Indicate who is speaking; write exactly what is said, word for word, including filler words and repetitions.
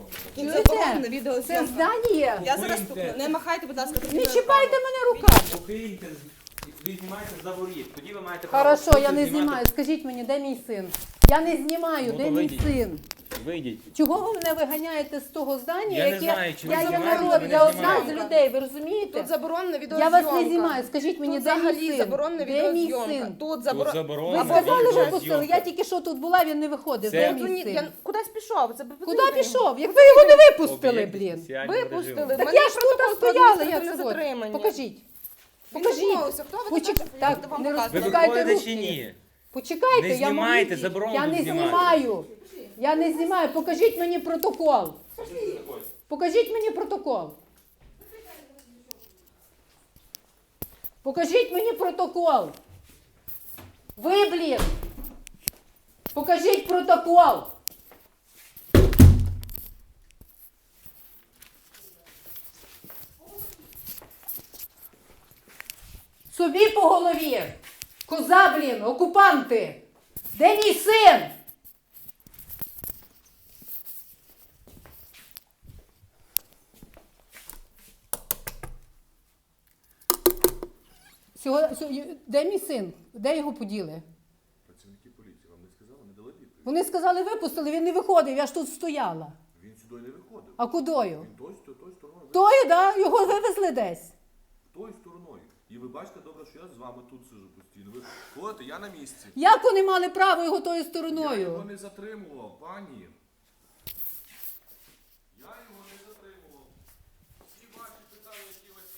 Speaker 1: Тут
Speaker 2: Чуєте?
Speaker 1: заборонена
Speaker 2: Це
Speaker 1: відеозйомка.
Speaker 2: здання.
Speaker 1: Я зараз тут, не махайте, будь ласка,
Speaker 2: Не чіпайте мене руками.
Speaker 3: Покиньте, ви знімаєте за воріт, тоді ви маєте
Speaker 2: Хорошо,
Speaker 3: право
Speaker 2: я не
Speaker 3: знімати.
Speaker 2: знімаю. Скажіть мені, де мій син? Я не знімаю,
Speaker 3: Ну,
Speaker 2: де
Speaker 3: то
Speaker 2: мій
Speaker 3: вийдіть.
Speaker 2: син?
Speaker 3: Вийдіть.
Speaker 2: Чого ви мене виганяєте з того здання,
Speaker 3: Я не
Speaker 2: яке
Speaker 3: знаю, чи ви
Speaker 2: я є
Speaker 3: знімаєте,
Speaker 2: народ,
Speaker 3: чи не
Speaker 2: я одна з
Speaker 3: знімаєте.
Speaker 2: людей, ви розумієте?
Speaker 1: Тут заборонена
Speaker 2: Я
Speaker 1: відеозйомка.
Speaker 2: вас не знімаю. Скажіть мені,
Speaker 1: Тут
Speaker 2: де мій
Speaker 1: взагалі
Speaker 2: син?
Speaker 1: заборонена
Speaker 2: Де мій
Speaker 1: відеозйомка.
Speaker 2: син?
Speaker 1: Тут
Speaker 3: Тут
Speaker 1: заборонена.
Speaker 2: Ви
Speaker 3: заборонена
Speaker 2: сказали,
Speaker 3: відеозйомка.
Speaker 2: випустили. Я тільки що тут була, він не виходив.
Speaker 3: Це-
Speaker 2: Де
Speaker 1: Тут
Speaker 2: мій
Speaker 1: ні-
Speaker 2: син?
Speaker 1: я кудись пішов. Це
Speaker 2: Куди пішов? Як ви його не випустили, блін?
Speaker 1: Випустили.
Speaker 2: Так
Speaker 1: Мене
Speaker 2: я ж тут
Speaker 1: протокол про
Speaker 2: стояла, як
Speaker 1: адміністративне
Speaker 2: сьогодні.
Speaker 1: затримання.
Speaker 2: Покажіть.
Speaker 1: Він
Speaker 2: Покажіть.
Speaker 1: відмовився. Хто ви
Speaker 2: Почек-
Speaker 1: така, що
Speaker 2: так,
Speaker 1: будете вам
Speaker 2: не
Speaker 3: Ви
Speaker 1: показувати?
Speaker 2: Пускайте
Speaker 3: виходите
Speaker 2: руки.
Speaker 3: чи ні?
Speaker 2: Почекайте,
Speaker 3: Не
Speaker 2: я
Speaker 3: знімайте,
Speaker 2: можу.
Speaker 3: заборонено
Speaker 2: Я не
Speaker 3: знімати.
Speaker 2: знімаю. Я не знімаю. Покажіть мені протокол. Покажіть мені протокол. Покажіть мені протокол. Ви, блін. Покажіть протокол. Собі по голові. Коза, блін, окупанти. Де мій син? Сього- сьо- Де мій син? Де його поділи?
Speaker 4: Працівники поліції вам не сказали, не дали відповідь.
Speaker 2: Вони сказали, випустили, він не виходив, я ж тут стояла.
Speaker 4: Він сюди не виходив.
Speaker 2: А кудою?
Speaker 4: Він той, той, той стороною.
Speaker 2: Тою, да? Його вивезли десь.
Speaker 4: Той стороною. І ви бачите добре, що я з вами тут сижу постійно. Ви ходите, я на місці.
Speaker 2: Як вони мали право його тою
Speaker 4: Я його
Speaker 2: стороною?
Speaker 4: не затримував, пані.